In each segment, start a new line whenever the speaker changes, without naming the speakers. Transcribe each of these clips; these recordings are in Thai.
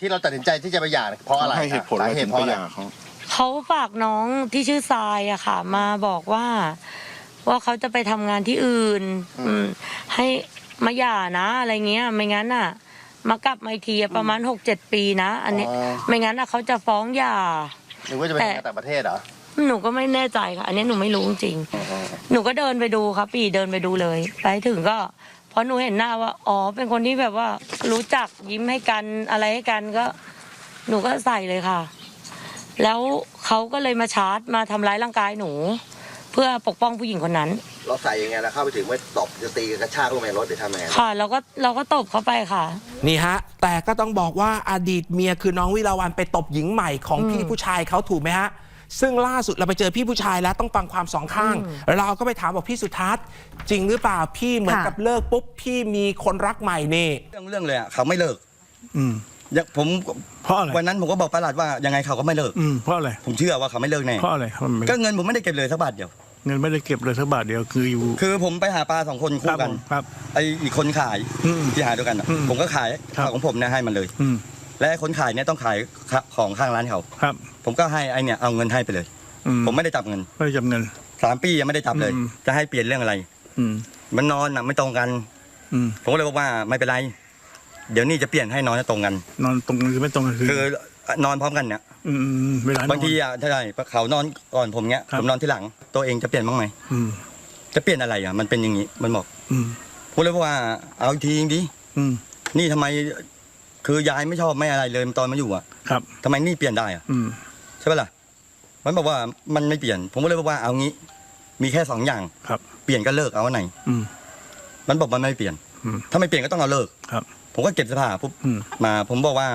ที่เราตัดสินใจที่จะไปหย่าเพราะอะไร
ให้เหตุผลอะไรถึงไปหย่า
เขาฝากน้องที่ชื่อทรายอะค่ะมาบอกว่าเขาจะไปทำงานที่อื่นให้มาหย่านะอะไรเงี้ยไม่งั้นอะมากลับมาอีกทีประมาณ 6-7 ปีนะอันนี้ไม่งั้นอะเขาจะฟ้องหย่า
หรือว่าจะไปต่างประเทศเหรอ
หนูก็ไม่แน่ใจค่ะอันนี้หนูไม่รู้จริงหนูก็เดินไปดูครับปีเดินไปดูเลยไปถึงก็พอหนูเห็นหน้าว่าอ๋อเป็นคนที่แบบว่ารู้จักยิ้มให้กันอะไรให้กันก็หนูก็ใส่เลยค่ะแล้วเขาก็เลยมาชาร์จมาทำร้ายร่างกายหนูเพื่อปกป้องผู้หญิงคนนั้น
เราใส่ยังไงล่ะเข้าไปถึงไม่ตบจะตีกระชากลงในรถหรือทำยังไง
ค่ะเราก็ตบเขาไปค่ะ
นี่ฮะแต่ก็ต้องบอกว่าอดีตเมียคือน้องวิลาวันไปตบหญิงใหม่ของพี่ผู้ชายเขาถูกไหมฮะซึ่งล่าสุดเราไปเจอพี่ผู้ชายแล้วต้องฟังความสองข้างเราก็ไปถามบอกพี่สุทัศน์จริงหรือเปล่าพี่เหมือนกับเลิกปุ๊บพี่มีคนรักใหม่นี่
เรื่องเลยอ่ะเขาไม่เลิกผม
เพราะอะไร
วันนั้นผมก็บอกประหลัดว่ายังไงเขาก็ไม่เลิก
เพราะอะไร
ผมเชื่อว่าเขาไม่เลิกแน่
เพราะอะไร
ก็เงินผมไม่ได้เก็บเลยสักบาทเดียว
เงินไม่ได้เก็บเลยสักบาทเดียว
คือผมไปหาปลา2 คนคู่กัน
ครับ
ไออีกคนขายที่หาด้วยกันผมก็ขายของผมเนี่ยให้มันเลยและคนขายเนี่ยต้องขายของข้างร้านเขา
ครับ
ผมก็ให้ไอเนี่ยเอาเงินให้ไปเลยผมไม่ได้จับเงิน
ไม่ได้จับเงิน
3 ปียังไม่ได้จับเลยจะให้เปลี่ยนเรื่องอะไรมันนอนน่ะไม่ตรงกันผมก็เลยบอกว่าไม่เป็นไรเดี๋ยวนี้จะเปลี่ยนให้นอนตรงกัน
นอนตรงกันคือไม่ตรงกัน
คือนอนพร้อมกันเนี่ย
เวลา
บางทีอ่ะใช่เขานอนก่อนผมเนี้ยผมนอนที่หลังตัวเองจะเปลี่ยนบ้างไหมจะเปลี่ยนอะไรอ่ะมันเป็นอย่างนี้มันบอกผมเลยบอกว่าเอาทีจริงดินี่ทำไมคือยายไม่ชอบไม่อะไรเลยตอนมาอยู่อ่ะทำไมนี่เปลี่ยนได้อ่ะใช่ป่ะล่ะมันบอกว่ามันไม่เปลี่ยนผมก็เลยบอกว่าเอางี้มีแค่2 อย่างเปลี่ยนก็เลิกเอาอันไหนมันบอกมันไม่เปลี่ยนถ้าไม่เปลี่ยนก็ต้องเอาเลิกผมก็เก็บเสื้อผ้าปุ๊บมาผมบอกว่า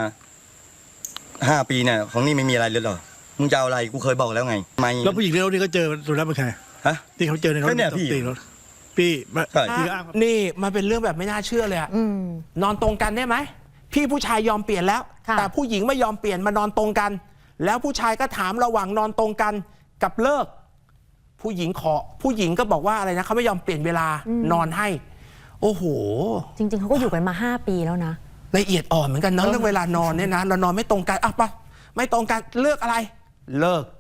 5 ปีเนี่ยของนี่ไม่มีอะไรเลยหรอมึงจะเอาอะไรกูเคยบอกแล้วไงไม่
แล้วผู้หญิงในรถที่เขาเจอสุนัขเป็นใคร
ฮะ
ที่เขาเจอในรถ
เนี่ยพี่
นี่มันเป็นเรื่องแบบไม่น่าเชื่อเลยอะนอนตรงกันได้ไหมพี่ผู้ชายยอมเปลี่ยนแล้วแต่ผู้หญิงไม่ยอมเปลี่ยนมานอนตรงกันแล้วผู้ชายก็ถามระหว่างนอนตรงกันกับเลิกผู้หญิงก็บอกว่าอะไรนะเขาไม่ยอมเปลี่ยนเวลานอนให้โอ้โห
จริงๆเขาก็อยู่กันมา5 ปีแล้วนะ
ละเอียดอ่อนเหมือนกันเนาะเรื่องเวลานอนเนี่ยนะเรานอนไม่ตรงกันอ่ะปะไม่ตรงกันเลือกอะไรเลิก